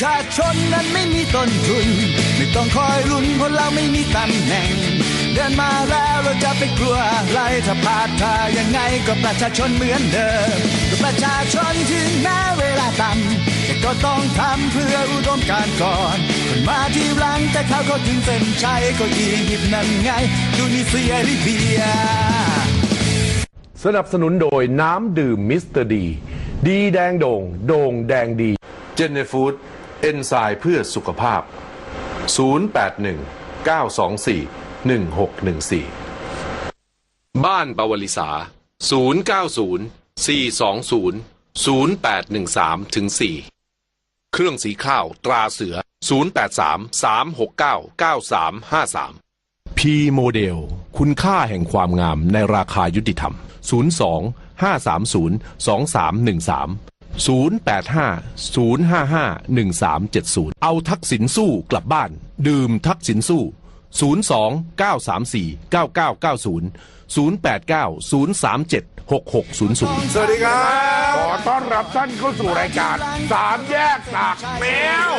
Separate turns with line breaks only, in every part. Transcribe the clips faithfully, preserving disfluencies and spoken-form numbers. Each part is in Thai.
ชาชนนั้นไม่มีต้นทุนไม่ต้องคอยลุ้นเพราะเราไม่มีตำแหน่งเดินมาแล้วเราจะไปกลัวอะไรถ้าพลาดท่ายังไงก็ประชาชนเหมือนเดิมก็ประชาชนถึงแม้เวลาต่ำแต่ก็ต้องทำเพื่ออุดมการณ์ก่อนคนมาที่หลังแต่เขาก็ถึงเส้นชัยก็อียิปต์นั่นไงดูนิเซียลิเบีย
สนับสนุนโดยน้ำดื่มมิสเตอร์ดีดีแดงโด่งโด่งแดงดีเจเนฟูดเอนไซม์เพื่อสุขภาพศูนย์ แปด หนึ่ง เก้า สอง สี่ หนึ่ง หก หนึ่ง สี่
บ้านปวลิสาศูนย์ เก้า ศูนย์ สี่ สอง ศูนย์ ศูนย์ แปด หนึ่ง สาม ถึง สี่เครื่องสีข้าวตราเสือศูนย์ แปด สาม สาม หก เก้า เก้า สาม ห้า สาม พีโมเดลคุณค่าแห่งความงามในราคายุติธรรมศูนย์ สอง ห้า สาม ศูนย์ สอง สาม หนึ่ง สาม ศูนย์ แปด ห้า ศูนย์ ห้า ห้า หนึ่ง สาม เจ็ด ศูนย์เอาทักษิณสู้กลับบ้านดื่มทักษิณสู้ศูนย์ สอง เก้า สาม สี่ เก้า เก้า เก้า ศูนย์ ศูนย์ แปด เก้า ศูนย์ สาม เจ็ด หก หก ศูนย์ ศูนย์
สวัสดีครับขอต้อนรับท่านเข้าสู่รายการสามแยกตากแมว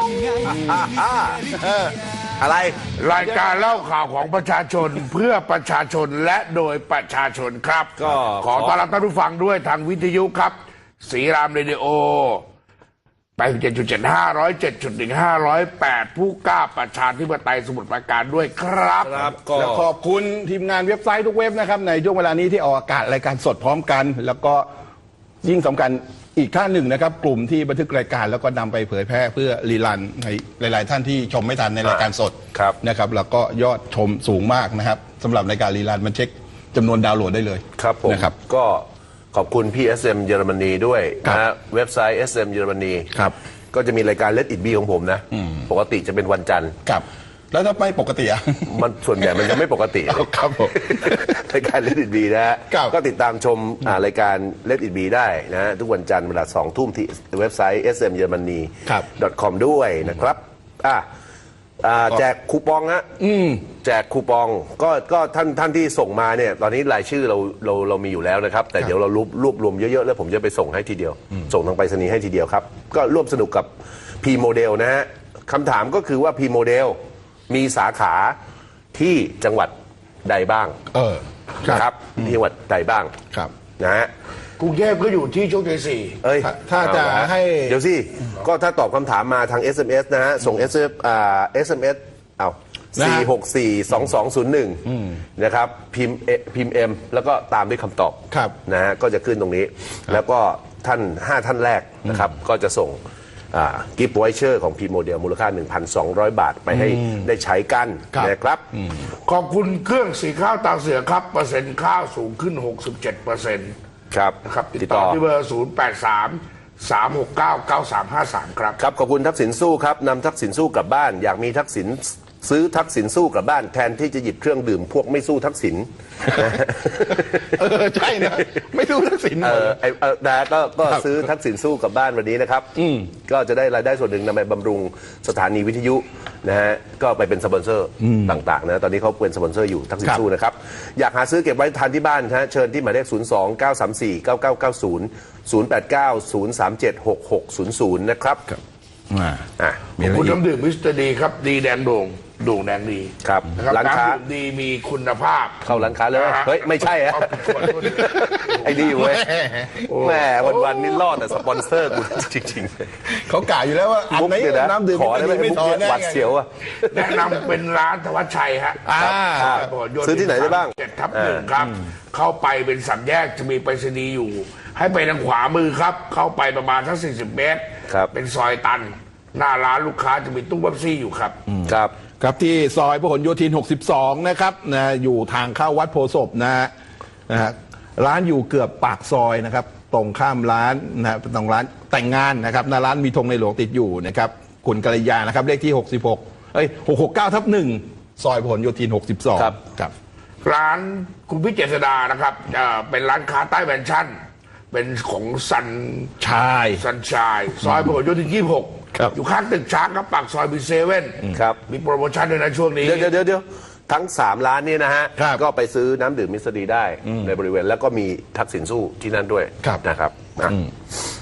อะไร
รายการเล่าข่าวของประชาชนเพื่อประชาชนและโดยประชาชนครับก็ขอต้อนรับท่านผู้ฟังด้วยทางวิทยุครับศรีรามเรดิโอไปเจ็ดจุดเจ็ดห้าร้อยเจ็ดจุดหนึ่งห้าร้อยแปดผู้กล้าประชาธิปไตยสมุทรปราการด้วยครับ
ครับ
แล้วขอบคุณทีมงานเว็บไซต์ทุกเว็บนะครับในช่วงเวลานี้ที่ออกอากาศรายการสดพร้อมกันแล้วก็ยิ่งสำคัญอีกท่านหนึ่งนะครับกลุ่มที่บันทึกรายการแล้วก็นำไปเผยแพร่เพื่อรีลันในหลายๆท่านที่ชมไม่ทันในรายการสดนะครับแล้วก็ยอดชมสูงมากนะครับสำหรับรายการรีลันมันเช็คจำนวนดาวน์โหลดได้เลย
ครับผม
นะครับ
ก็ขอบคุณพี่ เอส เอ็ม เยอรมนีด้วยนะเว็บไซต์ เอส เอ็ม เยอรมนี
ครับ
ก็จะมีรายการ Let It Be ของผมนะปกติจะเป็นวันจันทร์
ครับแล้วถ้าไม่ปกติอ่ะ
มันส่วนใหญ่มันจะไม่ปกติ
ครับผม
รายการ Let It Be นะฮะก็ติดตามชมรายการ Let It Be ได้นะทุกวันจันทร์เวลาสองทุ่มที่เว็บไซต์ เอส เอ็ม เยอรมนี ดอท คอม ด้วยนะครับอ่ะแจกคูปองฮะแจกคูปองก็ก็ท่านท่านที่ส่งมาเนี่ยตอนนี้รายชื่อเราเราเรามีอยู่แล้วนะครับแต่เดี๋ยวเรารวบรวบรวมเยอะๆแล้วผมจะไปส่งให้ทีเดียวส่งทางไปรษณีย์ให้ทีเดียวครับก็ร่วมสนุกกับ P Model นะฮะคำถามก็คือว่า P Model มีสาขาที่จังหวัดใดบ้าง
เออ
ครับที่จังหวัดใดบ้าง
ครับ
นะฮะ
กรุงเทพก็อยู่ที่โชคชัยสี่
เอ้ย
ถ้าจะให้
เดี๋ยวสิก็ถ้าตอบคำถามมาทาง เอส เอ็ม เอส นะฮะส่ง เอส เอ็ม อ่า เอส เอ็ม เอส เอาสี่ หก สี่ สอง สอง ศูนย์ หนึ่งนะครับพิมพ์พิมพ์ M แล้วก็ตามด้วยคำตอบนะฮะก็จะขึ้นตรงนี้แล้วก็ท่านห้าท่านแรกนะครับก็จะส่งกิฟต์ไวเชอร์ของพีโมเดลมูลค่า หนึ่งพันสองร้อย บาทไปให้ได้ใช้กันนะครับ
ขอบคุณเครื่องสีข้าวตาเสือครับเปอร์เซ็นต์ข้าวสูงขึ้น หกสิบเจ็ดเปอร์เซ็นต์
ครับ
นะครับติดต่อที่เบอร์ ศูนย์ แปด สาม สาม หก เก้า เก้า สาม ห้า สาม ครับ
ครับขอบคุณทักษิณสู้ครับนำทักษิณสู้กลับบ้านอยากมีทักษิณซื้อทักษิณสู้กลับบ้านแทนที่จะหยิบเครื่องดื่มพวกไม่สู้ทักษิณ
เออใช่นะไม่สู้ทักษิณ
เออไอ้นะก็ก็ซื้อทักษิณสู้กลับบ้านวันนี้นะครับก็จะได้รายได้ส่วนหนึ่งนำไปบำรุงสถานีวิทยุนะฮะก็ไปเป็นสปอนเซอร์ต่างๆนะตอนนี้เขาเป็นสปอนเซอร์อยู่ทักษิณสู้นะครับอยากหาซื้อเก็บไว้ทานที่บ้านนะเชิญที่หมายเลขศูนย์ สอง เก้า สาม สี่ เก้า เก้า เก้า ศูนย์ ศูนย์ แปด เก้า ศูนย์ สาม เจ็ด หก หก ศูนย์ ศูนย์นะครับ
อ่าคุณน้ำดื่มมิสเตอร์ดีครับดีแดงโด่งโด่งแดงดี
ครับ
ร้านค้าดีมีคุณภาพ
เข้าร้านค้าเลยเฮ้ยไม่ใช่ฮะไอ้นี่เว้ยแม่วันๆนี่รอดแต่สปอนเซอร์กูจริง
ๆเขากล่าวอยู่แล้วว่าอันไหนน้ำดื่ม
ขอได้ไม่ถอนหวัดเสียวอ่ะ
แนะนำเป็นร้านธวัชชัยฮะ
ซื้อที่ไหนได้บ้าง
เจ็ดทับหนึ่งครับเข้าไปเป็นสามแยกจะมีไปรษณีย์อยู่ให้ไปทางขวามือครับเข้าไปประมาณสักสี่สิบเมตรเป็นซอยตันหน้าร้านลูกค้าจะมีตู้เบ๊ปซี่อยู่ครับ
ครับ
ครับที่ซอยพหลโยธินหกสิบสองนะครับนะอยู่ทางเข้าวัดโพธิ์ศพนะฮะนะฮะร้านอยู่เกือบปากซอยนะครับตรงข้ามร้านนะตรงร้านแต่งงานนะครับหน้าร้านมีธงในหลวงติดอยู่นะครับคุณกัลยานะครับเลขที่หกสิบหกเอ้ยหกหกเก้าทับหนึ่งซอยพหลโยธินหกสิบสอง
ครับ
ครับ
ร้านคุณพิเจษดานะครับเป็นร้านค้าใต้แมนชั่นเป็นของซัน
ชาย
ซันชายซอยพหลโยธินยี่สิบหกอยู่ข้างตึกช้างครับปากซอยบีเซเว่น
ครับ
มีโปรโมชั่นด้วยนะช่วงนี้
เดี๋ยวเดี๋ยวเดี๋ยวทั้งสามร้านนี้นะฮะก็ไปซื้อน้ำดื่มมิสเตอร์ดีได้ในบริเวณแล้วก็มีทักษิณสู้ที่นั่นด้วยนะครับ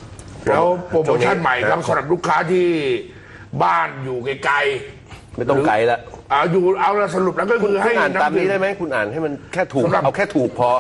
แล้วโปรโมชั่นใหม่ครับสำหรับลูกค้าที่บ้านอยู่ไกลๆ
ไม่ต้องไกลละ
เอาอยู่เอาละสรุปแล้วก็
คุ
คื
ณ
อให้
อ่านตามนี้ได้ไหมคุณอ่านให้มันแค่ถูกเอาแค่ถูกพอ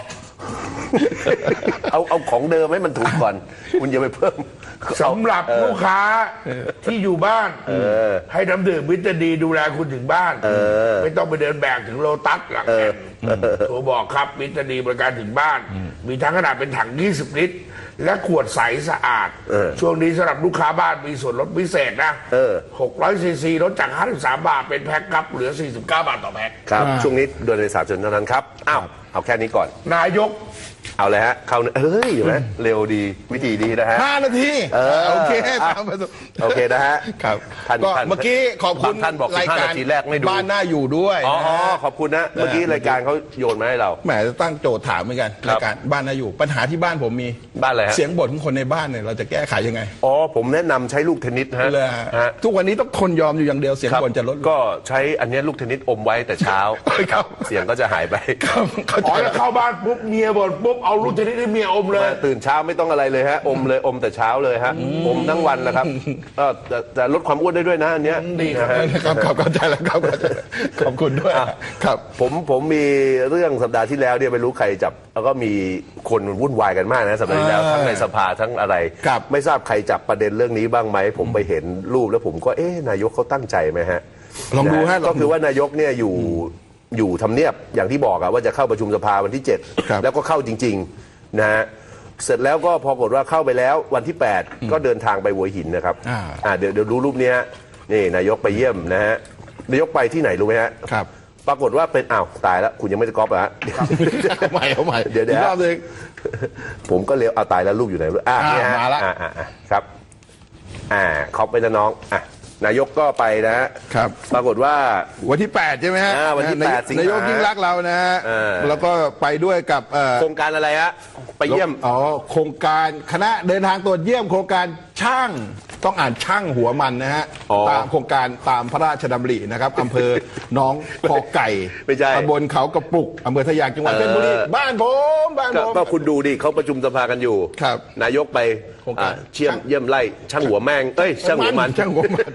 เอาเอาของเดิมให้มันถูกก่อน คุณอย่าไปเพิ่ม
สำหรับลูกค้าที่อยู่บ้านให้น้ำดื่มวิตาดีดูแลคุณถึงบ้านไม่ต้องไปเดินแบกถึงโลตัสหลังแอนโทรบอกครับวิตาดีบริการถึงบ้าน มีทั้งขนาดเป็นถังยี่สิบลิตรและขวดใสสะอาดช่วงนี้สำหรับลูกค้าบ้านมีส่วนลดพิเศษนะหกร้อยซีซีลดจากห้าสิบสามบาทเป็นแพ็คครับเหลือสี่สิบเก้าบาทต่อแพ็ค
ครับช่วงนี้โดยในสามชนเท่านั้นครับอ้าวเอาแค่นี้ก่อน
นายก
เอาเลยฮะเข้าเฮ้ยเห็นไหมเร็วดีวิธีดีนะฮะ
ห้านาทีโอเคตามประสบ
โอเคนะฮะ
ครับก็เมื่อกี้ขอบคุณ
ท่านบอกรายการ
แรกไม่ดูบ้านน่าอยู่ด้วย
อ๋อขอบคุณนะเมื่อกี้รายการเขาโยนมาให้เรา
แหมจะตั้งโจทย์ถามเหมือนกันรายการบ้านน่าอยู่ปัญหาที่บ้านผมมี
บ้านอะไรฮะ
เสียงบ่นของคนในบ้านเนี่ยเราจะแก้ไขยังไง
อ๋อผมแนะนำใช้ลูกเทนนิสฮะ
ทุกวันนี้ต้องทนยอมอยู่อย่างเดียวเสียงบ่นจะลด
ก็ใช้อันนี้ลูกเทนนิสอมไว้แต่เช้าเสียงก็จะหายไป
อ๋อแล้วเข้าบ้านปุ๊บเมียบ่นปุ๊บเอาลูกเทนนิสให้เมียอมเลย
ตื่นเช้าไม่ต้องอะไรเลยฮะอมเลยอมแต่เช้าเลยฮะอมทั้งวันนะครับก็จะลดความอ้วนได้ด้วยนะอันเนี้ย
ดีครับครับเข้าใจแล้วครับขอบคุณด้วยครับ
ผมผมมีเรื่องสัปดาห์ที่แล้วเนี่ยไม่รู้ใครจับแล้วก็มีคนวุ่นวายกันมากนะสัปดาห์ที่แล้วทั้งในสภาทั้งอะไรไม่ทราบใครจับประเด็นเรื่องนี้บ้างไหมผมไปเห็นรูปแล้วผมก็เอ๊ะนายกเขาตั้งใจไหมฮะ
ลองดูฮะ
ก็คือว่านายกเนี่ยอยู่อยู่ทำเนียบอย่างที่บอกอะว่าจะเข้าประชุมสภาวันที่เจ็ดแล้วก็เข้าจริงๆนะฮะเสร็จแล้วก็พอกฏว่าเข้าไปแล้ววันที่แปดก็เดินทางไปหัวหินนะครับอ่าเดี๋ยวเดี๋ยวดูรูปนี้ฮะนี่นายกไปเยี่ยมนะฮะนายกไปที่ไหนรู้ไหมฮะ
ครับ
ปรากฏว่าเป็นอ้าวตายแล้วคุณยังไม่ได้ก๊อปอ่ะ
เอาใหม่เอาใหม่
เดี๋ยวเดี๋ยวผมก็เลี้ยวเอาตายแล้วรูปอยู่ไหนอ่านี่ฮะ
มาแล้ว
อ่าครับอ่าก๊อปไปนะน้องอ่ะนายกก็ไปนะครับปรากฏว่า
วันที่แปดใช่ไหมฮะ
วันที่แปดสิงหา
นายกยิ่งรักเรานะฮะแล้วก็ไปด้วยกับ
โครงการอะไรฮะไปเยี่ยม
อ๋อโครงการคณะเดินทางตรวจเยี่ยมโครงการช่างต้องอ่านช่างหัวมันนะฮะตามโครงการตามพระราชดำรินะครับอำเภอหนองคอไก่ตำบลเขากระปุกอำเภอทะยางจังหวัดเพชรบุรีบ้านผมบ้านผม
ก็คุณดูดิเขาประชุมสภากันอยู่นายกไปเชี่ยมเยี่ยมไล่ช่างหัวแมงเอ้ยช่างหัวมัน
ช่างหัวมัน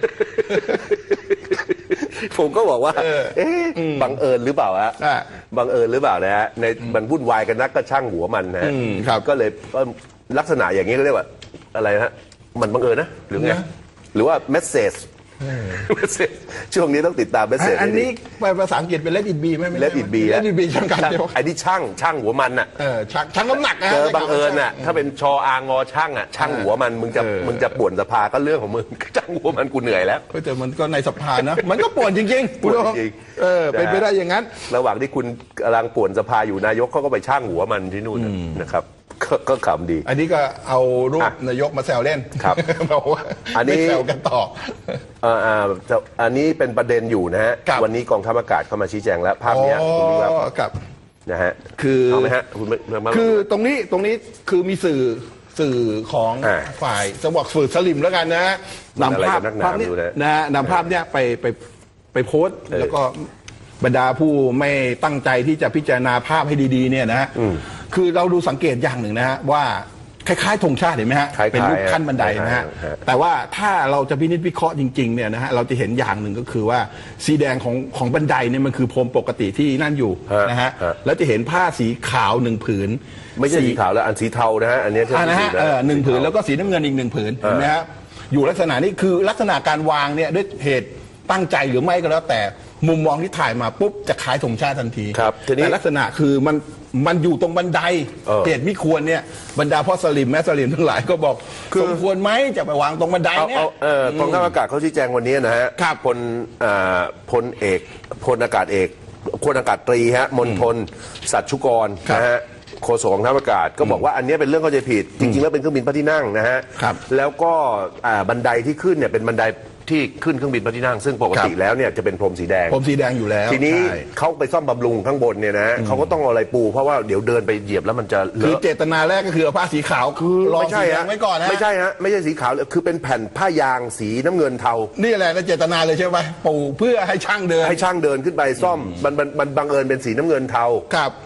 ผมก็บอกว่าเอ๊ะบังเอิญหรือเปล่าฮะบังเอิญหรือเปล่านะฮะในมันวุ่นวายกันนักก็ช่างหัวมันนะก็เลยลักษณะอย่างนี้ก็เรียกว่าอะไรฮะมันบังเอิญนะหรือไงหรือว่าเมสเซจช่วงนี้ต้องติดตามเมสเซจ
อันนี้ไปภาษาอังกฤษเป็น let it be ไหม
let it be
let it be ช่างกันเดียว
ไอ้นี่ช่างช่างหัวมันอ่ะ
เออช่างช่างน้ำหนักนะ
เจอบังเอิญอ่ะถ้าเป็นชออางอช่างอ่ะช่างหัวมันมึงจะมึงจะป่วนสภาก็เรื่องของมึงช่างหัวมันกูเหนื่อยแล้ว
แต่มันก็ในสภานะมันก็ป่วนจริงๆป่วนจริงเออเป็นไปได้อย่างนั้น
ระหว่างที่คุณกำลังป่วนสภาอยู่นายกเขาก็ไปช่างหัวมันที่นู่นนะครับก็ขำดี
อันนี้ก็เอารูปนายกมาแซวเล่น
ครับ
บอกว่าอันนี้แซวกันต่อ
อ่าอันนี้เป็นประเด็นอยู่นะฮะวันนี้กองทัพอากาศเข้ามาชี้แจงแล้วภาพนี้คุณดู
ครับ
นะฮะ
คือ
เอาไหมฮะคุณ
คือตรงนี้ตรงนี้คือมีสื่อสื่อของฝ่ายจะบอกสื่อสลิมแล้วกันนะนำภาพภาพนี้นะฮะนำภาพเนี้ยไปไปไปโพสต์แล้วก็บรรดาผู้ไม่ตั้งใจที่จะพิจารณาภาพให้ดีๆเนี่ยนะฮะคือเราดูสังเกตอย่างหนึ่งนะฮะว่าคล้ายๆธงชาติเห็นไหมฮะเป็นรูปขั้นบันไดนะฮะแต่ว่าถ้าเราจะพินิจวิเคราะห์จริงๆเนี่ยนะฮะเราจะเห็นอย่างหนึ่งก็คือว่าสีแดงของของบันไดเนี่ยมันคือพรมปกติที่นั่นอยู่นะฮะแล้วจะเห็นผ้าสีขาวหนึ่งผืน
ไม่ใช่สีขาวแล้วอันสีเทานะฮะอันนี้
นะฮะหนึ่งผืนแล้วก็สีน้ำเงินอีกหนึ่งผืนเห็นไหมฮะอยู่ลักษณะนี้คือลักษณะการวางเนี่ยด้วยเหตุตั้งใจหรือไม่ก็แล้วแต่มุมมองที่ถ่ายมาปุ๊บจะคล้ายธงชาติทันทีแต่ลักษณะคือมันมันอยู่ตรงบันไดเหตุไม่ควรเนี่ยบรรดาพ่อสลิมแม่สลิมทั้งหลายก็บอกสมควรไหมจะไปวางตรงบันไดเนี่ย
กองทัพอากาศเขาชี้แจงวันนี้นะฮะพลพลเอกพลอากาศเอกพลอากาศตรีฮะมณฑลสัชชุกรนะฮะโฆษกกองทัพอากาศก็บอกว่าอันนี้เป็นเรื่องเข้าใจผิดจริงๆแล้วเป็นเครื่องบินพระที่นั่งนะฮะแล้วก็บันไดที่ขึ้นเนี่ยเป็นบันไดที่ขึ้นเครื่องบินพระที่นั่งซึ่งปกติแล้วเนี่ยจะเป็นพรมสีแดง
พรมสีแดงอยู่แล้ว
ทีนี้เขาไปซ่อมบำรุงข้างบนเนี่ยนะเขาก็ต้องเอาอะไรปูเพราะว่าเดี๋ยวเดินไปเหยียบแล้วมันจะเลอะ
คือเจตนาแรกก็คือเอาผ้าสีขาวคือรองสีแดงไว้ก่อนนะ
ไม่ใช่ฮะไม่ใช่สีขาวคือเป็นแผ่นผ้ายางสีน้ำเงินเทา
นี่แหละเจตนาเลยใช่ไหมปูเพื่อให้ช่างเดิน
ให้ช่างเดินขึ้นไปซ่อมมันมันบังเอิญเป็นสีน้ำเงินเทา
ครับ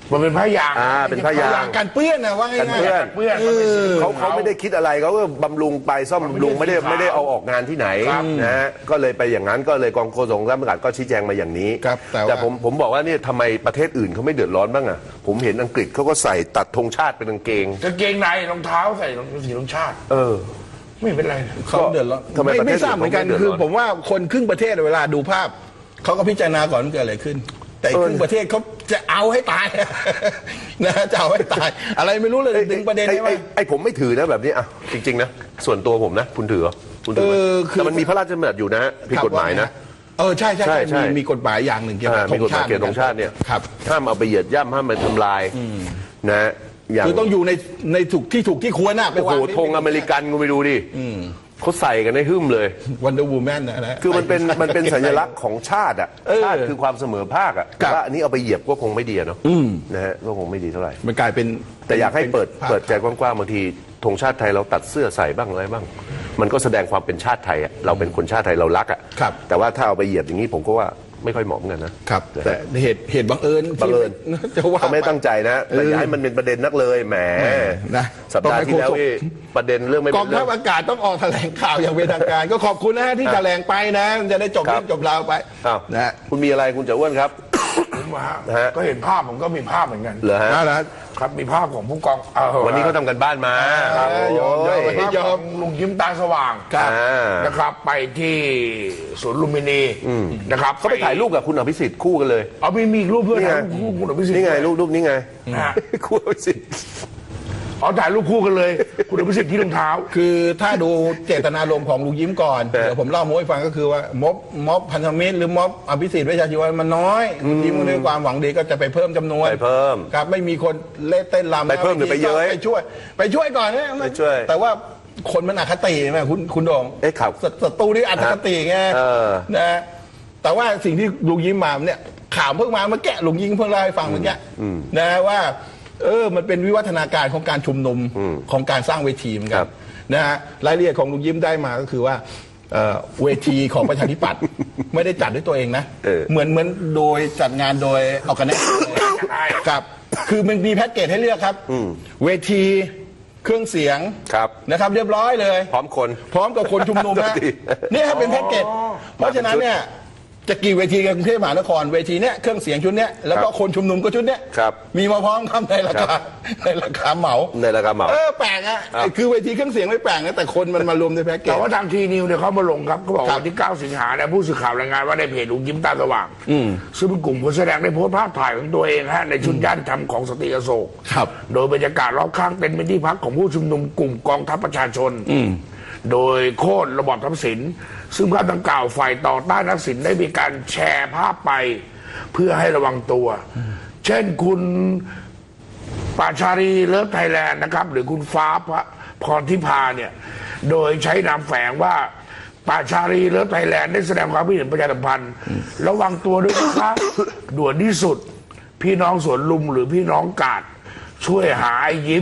มันเป็นผ้ายาง
อ่าเป็นผ้ายาง
การเปื้อนนะว่าง่าย
กันเปื้อน
เปื้อน
เออ
เขาเขาไม่ได้คิดอะไรเขาก็บำรุงไปซ่อมบำรุงไม่ได้ไม่ได้เอาออกงานที่ไหนนะฮะก็เลยไปอย่างนั้นก็เลยกองโฆษกสำนักงานก็ชี้แจงมาอย่างนี้
ครับแต่ว่า
แต่ผมผมบอกว่าเนี่ยทำไมประเทศอื่นเขาไม่เดือดร้อนบ้างอ่ะผมเห็นอังกฤษเขาก็ใส่ตัดธงชาติเป็นกางเกง
กางเกงในรองเท้าใส่รองสีรองชาติ
เออ
ไม่เป็นไร
เขาเดือดร้อน
ทำไม
ไม่
ประเทศ
ไม่ทราบเหมือนกัน
อื่นเขาไม่เดือดร้อน
คือผมว่าคนครึ่งประเทศเวลาดูภาพเขาก็พิจารณาก่อนว่าเกิดอะไรขึ้น แต่อีกครึ่งประเทศเขาจะเอาให้ตาย นะจะเอาให้ตาย อะไรไม่รู้เลยดึงประเด็น
ไอ้
นี้
ไอ้
ว่า
ไอ้ผมไม่ถือนะแบบนี้อ่ะจริงๆนะส่วนตัวผมนะคุณถือเหรอคุณถือไหม
เออคือ
แต่มันมีพระราชบัญญัติอยู่นะฮะผิดกฎหมายนะ
เออใช่ใช่
ใช่
ใช่
ใช่
มีมีกฎหมายอย่างหนึ่งเกี่ยว
อ่า
กับธ
มี
ง
กฎหมา
ชาย ติ
เกี่ยวกับธงชาติเนี่ย
ครับ
ห้ามเอาไปเหยียดย่ำห้ามไปทำลายนะอย่าง
คือต้องอยู่ในในถูกที่ถูกที่ควรนะไป
โอ้โห
วาง
ธงอเมริกันกูไปดูดิเขาใส่กันให้หึ่มเลย
วันเดอร์วูแมนนะนะ
คือมันเป็นมันเป็นสัญลักษณ์ของชาติอ่ะ
เออ
ชาติคือความเสมอภาคอ่ะ
ครับ
แต่ว่าอันนี้เอาไปเหยียบก็คงไม่ดีอะเนาะนะฮะก็คงไม่ดีเท่าไหร่
มันกลายเป็น
แต่อยากให้เปิด
ภาพ
เปิดใจกว้างๆบางทีธงชาติไทยเราตัดเสื้อใส่บ้างอะไรบ้าง มันก็แสดงความเป็นชาติไทยอ่ะเราเป็นคนชาติไทยเรารักอ่ะ
ครับ
แต่ว่าถ้าเอาไปเหยียบอย่างนี้ผมก็ว่าไม่ค่อยเหมาะเหมือนกันนะครับ
แต่เหตุเหตุบังเอิญ
บังเอิญ
ที่จะว่า
เขาไม่ตั้งใจนะแต่อย่าให้มันเป็นประเด็นนักเลยแหม
นะ
สัปดาห์ที่แล้วนี่ประเด็นเรื่องไม่
ก
เป็
อง
นเรื่
ทั
อ
พ
ง
อากาศต้องออกแถลงข่าวอย่างเป็นทางการ ก็ขอบคุณนะฮะที่แถลงไปนะจะได้จบ
ครั
เรื่
บ
องจบราวไป
อ้าว
นะฮะ
คุณมีอะไรคุณจะอ้วนครับ
ผมว่า
ฮะ
ก็เห็นภาพผมก็มีภาพเหมือนกัน
เหรอฮะ
นั่นแหละ
ครับมีภาพของผู้กองเออ
วันนี้เขาทำกันบ้านมา
เออยอมยอม
โอ้ย
วันนี้
ภาพของลุงยิ้มตาสว่าง
ครับ
อ่า
นะครับ ไปที่สวนลุมพินีนะครับ
เขาไปถ่ายรูปกับคุณอภิสิทธิ์คู่กันเลย
เอามีมีอีกรูปเพื่อน
นี่ไง
ถ่ายรูปคู่คุณอภิสิทธิ์
นี่ไงรูปรูปนี้ไง
นะฮะ
คู่อภิสิทธิ์
อ๋อถ่ายรูปคู่กันเลย คุณอภิสิทธิ์ที่รองเท้า
คือถ้าดูเจตนารมณ์ของลุงยิ้มก่อนเดี๋ยวผมเล่าโม้ให้ฟังก็คือว่าม็อบม็อบพันธมิตรหรือม็อบอภิสิทธิ์เวชชาชีวะมันน้อยลุงยิ้มก็ด้วยความหวังดีก็จะไปเพิ่มจำนวน
ไปเพิ่ม
ครับไม่มีคนเล่นเต้นรำ
ไปเพิ่มหรือไปเย้ย
ไปช่วย ไปช่วยก่อนนะ
ไปช่วย
แต่ว่าคนมันอคติไหมคุณคุณโดง
เอ๊ะครับ
ศัศัตรูนี่อคติไง
เออ
นะแต่ว่าสิ่งที่ลุงยิ้มมาเนี่ยข่าวเพิ่งมาเมื่อกี้ลุงยิ้มเพิ่งเล่าให้ฟังเมื่อกี้นะว่าเออมันเป็นวิวัฒนาการของการชุมนุมของการสร้างเวทีเหมือนกั
ครั
น
บ
นะฮะรายละเอียดของลุงยิ้มได้มาก็คือว่าเอ่อเวทีของประชาธิปัตย์ ไม่ได้จัดด้วยตัวเองนะ
เออ
เหมือนเหมือนโดยจัดงานโดยออกกันแน่ครับคือมันมีแพ็กเกจให้เลือกครับเวทีเครื่องเสียง
ครับ
นะครับเรียบร้อยเลย
พร้อมคน
พร้อมกับคนชุมนุมนะ
ดี
เนี่ยครับเป็นแพ็กเกจเพราะฉะนั้นเนี่ยจะกี่เวทีกับกรุงเทพมหานครเวทีเนี้ยเครื่องเสียงชุดเนี้ยแล้วก็คนชุมนุมก็ชุดเนี้ย
ครับ
มีมาพร้อมครับในรา
ครั
คา
บ
ในราคาเหมา
ในราคาเหมา
เออแปลกอะ
ครับ
คือเวทีเครื่องเสียงไม่แปลกนะแต่คนมันมารวมในแพ็กเกจ
แต่ว่าทางทีนิวเนี่ยเขามาลงครับเขาบอก
ครับ
วันที่เก้าสิงหาเนี่ยผู้สื่อข่าวรายงานว่าในเพจลุงยิ้มตาสว่างซึ่งเป็นกลุ่มคนแสดงได้โพสต์ภาพถ่ายของตัวเองฮะในชุดย่านธรรมของสตรีอโศก
ครับ
โดยบรรยากาศรอบข้างเป็นเป็นที่พักของผู้ชุมนุมกลุ่มกองทัพประชาชน โดยโค่นระบอบทักษิณซึ่งภาพดังกล่าวฝ่ายต่อต้านทักษิณได้มีการแชร์ภาพไปเพื่อให้ระวังตัว เช่นคุณปาชารีเลิฟไทยแลนด์นะครับ หรือคุณฟ้าพรทิพาเนี่ย โดยใช้นามแฝงว่าปาชารีเลิฟไทยแลนด์ได้แสดงความคิดเห็นประชาสัมพันธ์ระวังตัวด้วยนะครับ ด่วนที่สุด พี่น้องสวนลุมหรือพี่น้องกาด ช่วยหาไอ้ยิ้ม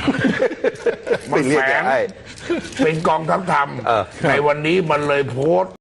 ไม่เรียก
แฝง
ไอ้
เป็นกองทัพธรรม
เออ
ในวันนี้มันเลยโพสต์